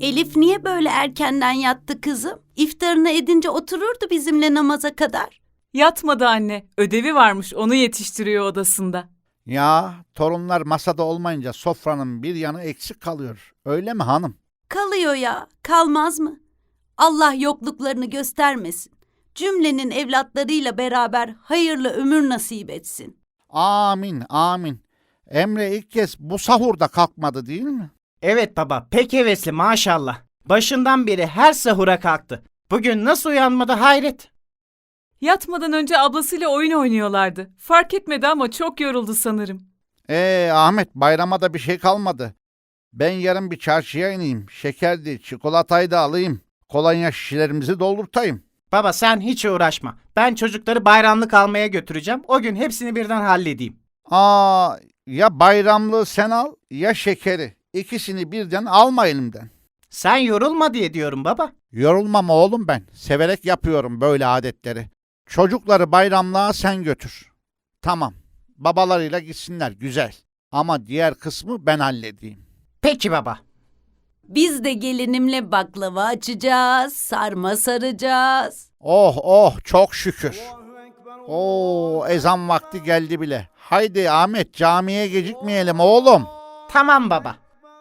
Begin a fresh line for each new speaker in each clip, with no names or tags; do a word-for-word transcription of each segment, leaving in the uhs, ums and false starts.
Elif niye böyle erkenden yattı kızım? İftarını edince otururdu bizimle namaza kadar.
Yatmadı anne. Ödevi varmış, onu yetiştiriyor odasında.
Ya torunlar masada olmayınca sofranın bir yanı eksik kalıyor. Öyle mi hanım?
Kalıyor ya, kalmaz mı? Allah yokluklarını göstermesin. Cümlenin evlatlarıyla beraber hayırlı ömür nasip etsin.
Amin, amin. Emre ilk kez bu sahurda kalkmadı değil mi?
Evet baba, pek hevesli maşallah. Başından beri her sahura kalktı. Bugün nasıl uyanmadı hayret.
Yatmadan önce ablasıyla oyun oynuyorlardı. Fark etmedi ama çok yoruldu sanırım.
Ee Ahmet, bayrama da bir şey kalmadı. Ben yarın bir çarşıya ineyim. Şekerdi, çikolatayı da alayım. Kolonya şişelerimizi doldurtayım.
Baba sen hiç uğraşma. Ben çocukları bayramlık almaya götüreceğim. O gün hepsini birden halledeyim.
Aa, ya bayramlığı sen al ya şekeri. İkisini birden alma elimden.
Sen yorulma diye diyorum baba.
Yorulmam oğlum ben. Severek yapıyorum böyle adetleri. Çocukları bayramlığa sen götür. Tamam. Babalarıyla gitsinler, güzel. Ama diğer kısmı ben halledeyim.
Peki baba.
Biz de gelinimle baklava açacağız, sarma saracağız.
Oh oh, çok şükür. Oo, ezan vakti geldi bile. Haydi Ahmet, camiye gecikmeyelim oğlum.
Tamam baba.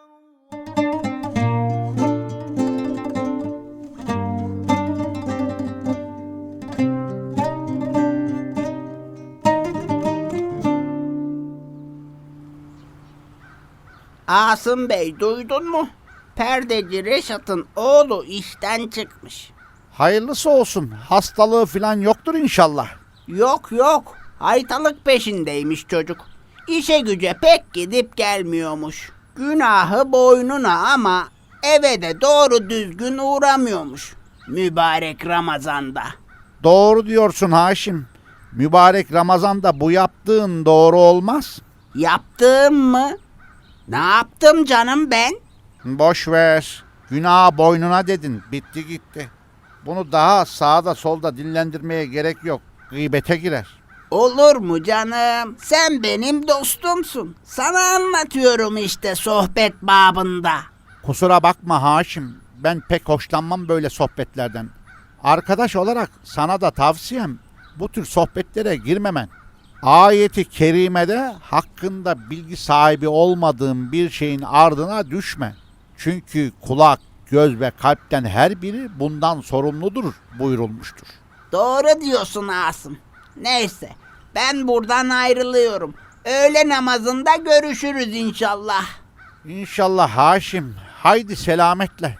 Asım Bey duydun mu? Perdeci Reşat'ın oğlu işten çıkmış.
Hayırlısı olsun. Hastalığı falan yoktur inşallah.
Yok yok, haytalık peşindeymiş çocuk. İşe güce pek gidip gelmiyormuş. Günahı boynuna ama eve de doğru düzgün uğramıyormuş. Mübarek Ramazan'da.
Doğru diyorsun Haşim. Mübarek Ramazan'da bu yaptığın doğru olmaz.
Yaptığım mı? Ne yaptım canım ben?
Boş ver. Günah boynuna dedin. Bitti gitti. Bunu daha sağda solda dillendirmeye gerek yok. Gıybete girer.
Olur mu canım? Sen benim dostumsun. Sana anlatıyorum işte sohbet babında.
Kusura bakma Haşim. Ben pek hoşlanmam böyle sohbetlerden. Arkadaş olarak sana da tavsiyem bu tür sohbetlere girmemen. Ayeti kerimede hakkında bilgi sahibi olmadığın bir şeyin ardına düşme. Çünkü kulak, göz ve kalpten her biri bundan sorumludur buyurulmuştur.
Doğru diyorsun Asım. Neyse ben buradan ayrılıyorum. Öğle namazında görüşürüz inşallah.
İnşallah Haşim. Haydi selametle.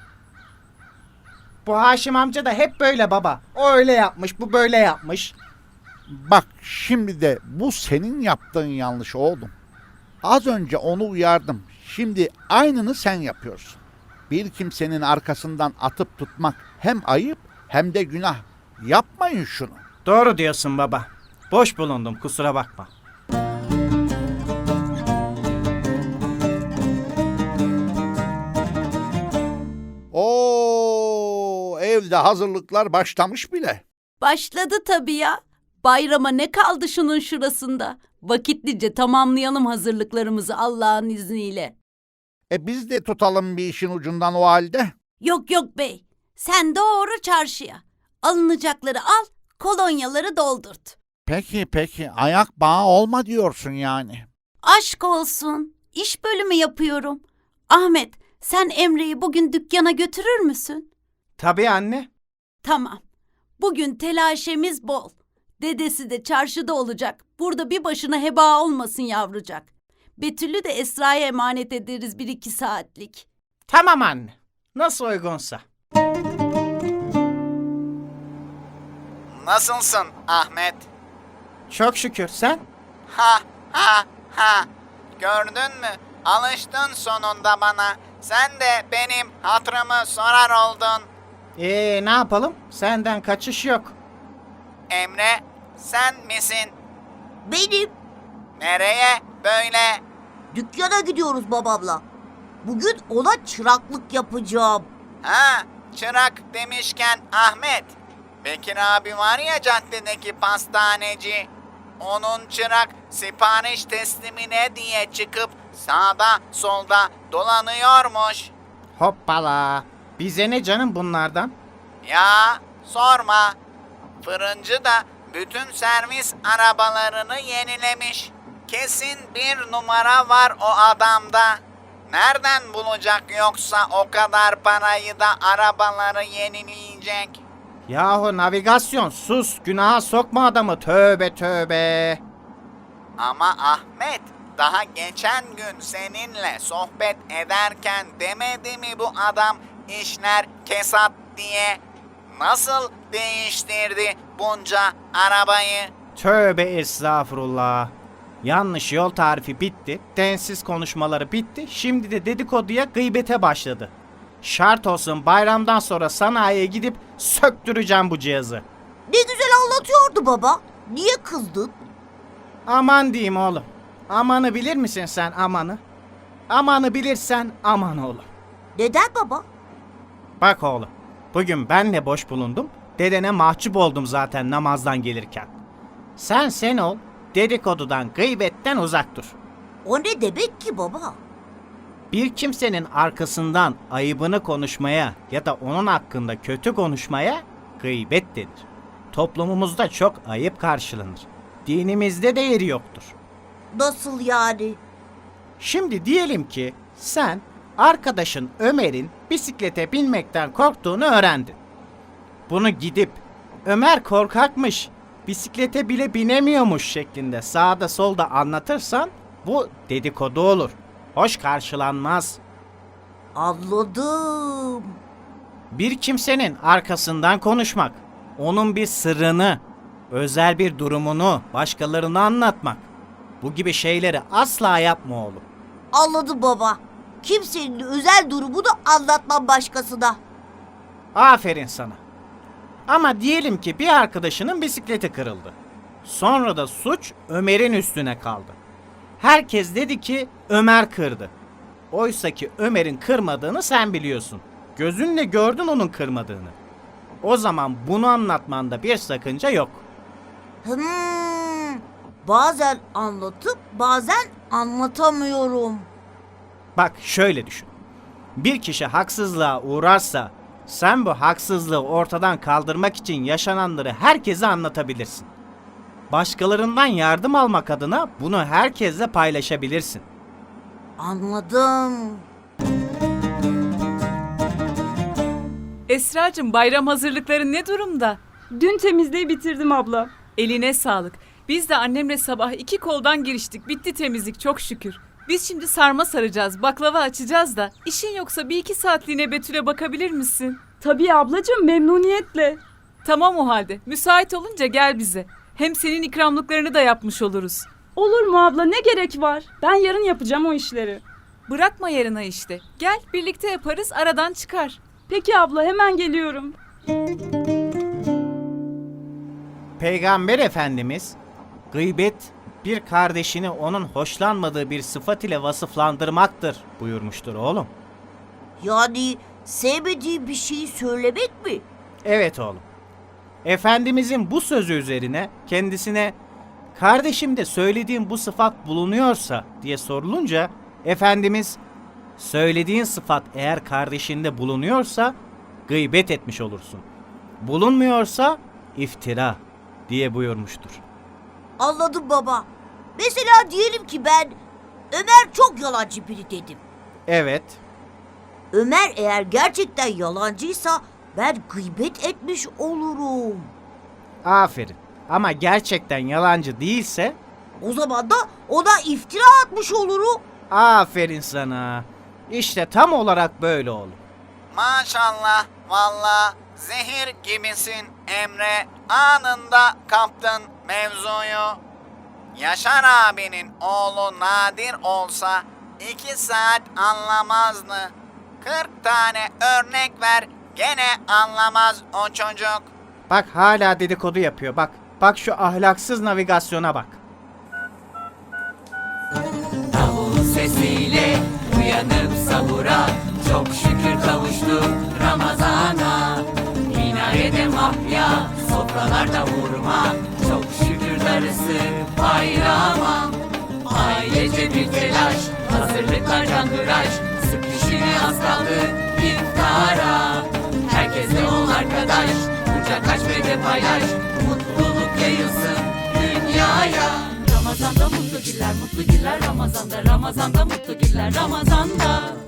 Bu Haşim amca da hep böyle baba. O öyle yapmış, bu böyle yapmış.
Bak şimdi de bu senin yaptığın yanlış oğlum. Az önce onu uyardım. Şimdi aynını sen yapıyorsun. Bir kimsenin arkasından atıp tutmak hem ayıp hem de günah. Yapmayın şunu.
Doğru diyorsun baba. Boş bulundum, kusura bakma.
Oo, evde hazırlıklar başlamış bile.
Başladı tabii ya. Bayrama ne kaldı şunun şurasında? Vakitlice tamamlayalım hazırlıklarımızı Allah'ın izniyle.
E biz de tutalım bir işin ucundan o halde.
Yok yok bey, sen doğru çarşıya. Alınacakları al, kolonyaları doldurt.
Peki peki, ayak bağı olma diyorsun yani.
Aşk olsun, iş bölümü yapıyorum. Ahmet, sen Emre'yi bugün dükkana götürür müsün?
Tabii anne.
Tamam, bugün telaşemiz bol. Dedesi de çarşıda olacak. Burada bir başına heba olmasın yavrucak. Betül'ü de Esra'ya emanet ederiz bir iki saatlik.
Tamam anne. Nasıl uygunsa.
Nasılsın Ahmet?
Çok şükür sen.
Ha ha ha. Gördün mü? Alıştın sonunda bana. Sen de benim hatırımı sorar oldun.
Ee ne yapalım? Senden kaçış yok.
Emre, sen misin?
Benim.
Nereye böyle?
Dükkana gidiyoruz babamla. Bugün ona çıraklık yapacağım.
Ha, çırak demişken Ahmet. Bekir abi var ya caddedeki pastaneci. Onun çırak sipariş teslimine diye çıkıp sağda solda dolanıyormuş.
Hoppala. Bize ne canım bunlardan?
Ya sorma. Fırıncı da bütün servis arabalarını yenilemiş. Kesin bir numara var o adamda. Nereden bulacak yoksa o kadar parayı da arabaları yenileyecek?
Yahu navigasyon sus, günaha sokma adamı, tövbe tövbe.
Ama Ahmet, daha geçen gün seninle sohbet ederken demedi mi bu adam işler kesat diye? Nasıl değiştirdi bunca arabayı?
Tövbe estağfurullah. Yanlış yol tarifi bitti, densiz konuşmaları bitti, şimdi de dedikoduya, gıybete başladı. Şart olsun bayramdan sonra sanayiye gidip söktüreceğim bu cihazı.
Ne güzel anlatıyordu baba. Niye kızdın?
Aman diyeyim oğlum. Amanı bilir misin sen amanı? Amanı bilirsen aman oğlum.
Neden baba?
Bak oğlum, bugün ben de boş bulundum, dedene mahcup oldum zaten namazdan gelirken. Sen sen ol, dedikodudan, gıybetten uzak dur.
O ne demek ki baba?
Bir kimsenin arkasından ayıbını konuşmaya ya da onun hakkında kötü konuşmaya gıybet denir. Toplumumuzda çok ayıp karşılanır. Dinimizde de yeri yoktur.
Nasıl yani?
Şimdi diyelim ki sen arkadaşın Ömer'in bisiklete binmekten korktuğunu öğrendin. Bunu gidip Ömer korkakmış, bisiklete bile binemiyormuş şeklinde sağda solda anlatırsan bu dedikodu olur. Hoş karşılanmaz.
Anladım.
Bir kimsenin arkasından konuşmak, onun bir sırrını, özel bir durumunu başkalarına anlatmak. Bu gibi şeyleri asla yapma oğlum.
Anladım baba. Kimsenin özel durumunu anlatmam başkasına.
Aferin sana. Ama diyelim ki bir arkadaşının bisikleti kırıldı. Sonra da suç Ömer'in üstüne kaldı. Herkes dedi ki Ömer kırdı. Oysa ki Ömer'in kırmadığını sen biliyorsun. Gözünle gördün onun kırmadığını. O zaman bunu anlatmanda bir sakınca yok.
Hmm, bazen anlatıp bazen anlatamıyorum.
Bak şöyle düşün. Bir kişi haksızlığa uğrarsa sen bu haksızlığı ortadan kaldırmak için yaşananları herkese anlatabilirsin. Başkalarından yardım almak adına bunu herkesle paylaşabilirsin.
Anladım.
Esracığım, bayram hazırlıkları ne durumda?
Dün temizliği bitirdim abla.
Eline sağlık. Biz de annemle sabah iki koldan giriştik. Bitti temizlik çok şükür. Biz şimdi sarma saracağız, baklava açacağız da. İşin yoksa bir iki saatliğine Betül'e bakabilir misin?
Tabii ablacığım, memnuniyetle.
Tamam o halde. Müsait olunca gel bize. Hem senin ikramlıklarını da yapmış oluruz.
Olur mu abla, ne gerek var? Ben yarın yapacağım o işleri.
Bırakma yarına işte. Gel birlikte yaparız, aradan çıkar.
Peki abla, hemen geliyorum.
Peygamber Efendimiz gıybet bir kardeşini onun hoşlanmadığı bir sıfat ile vasıflandırmaktır buyurmuştur oğlum.
Yani sevmediği bir şeyi söylemek mi?
Evet oğlum. Efendimizin bu sözü üzerine kendisine kardeşimde söylediğin bu sıfat bulunuyorsa diye sorulunca Efendimiz söylediğin sıfat eğer kardeşinde bulunuyorsa gıybet etmiş olursun. Bulunmuyorsa iftira diye buyurmuştur.
Anladım baba. Mesela diyelim ki ben Ömer çok yalancı biri dedim.
Evet.
Ömer eğer gerçekten yalancıysa ben gıybet etmiş olurum.
Aferin. Ama gerçekten yalancı değilse
O zaman da ona iftira atmış olurum.
aferin sana. İşte tam olarak böyle oğlum.
Maşallah, valla zehir gibisin Emre. Anında kaptın mevzuyu. Yaşar abinin oğlu Nadir olsa iki saat anlamazdı. Kırk tane örnek ver, gene anlamaz o çocuk.
Bak hala dedikodu yapıyor bak. Bak şu ahlaksız navigasyona bak.
Sesiyle uyanıp sahura, çok şükür kavuştuk Ramazana. Minarede mahya, sofralarda hurma, çok şükür darısı bayrama. Ailece bir telaş, hazırlıklar canhıraş, sık dişini az kaldı paylaş, mutluluk yayılsın dünyaya. Ramazanda mutlu günler, mutlu günler Ramazanda, Ramazanda mutlu günler Ramazanda.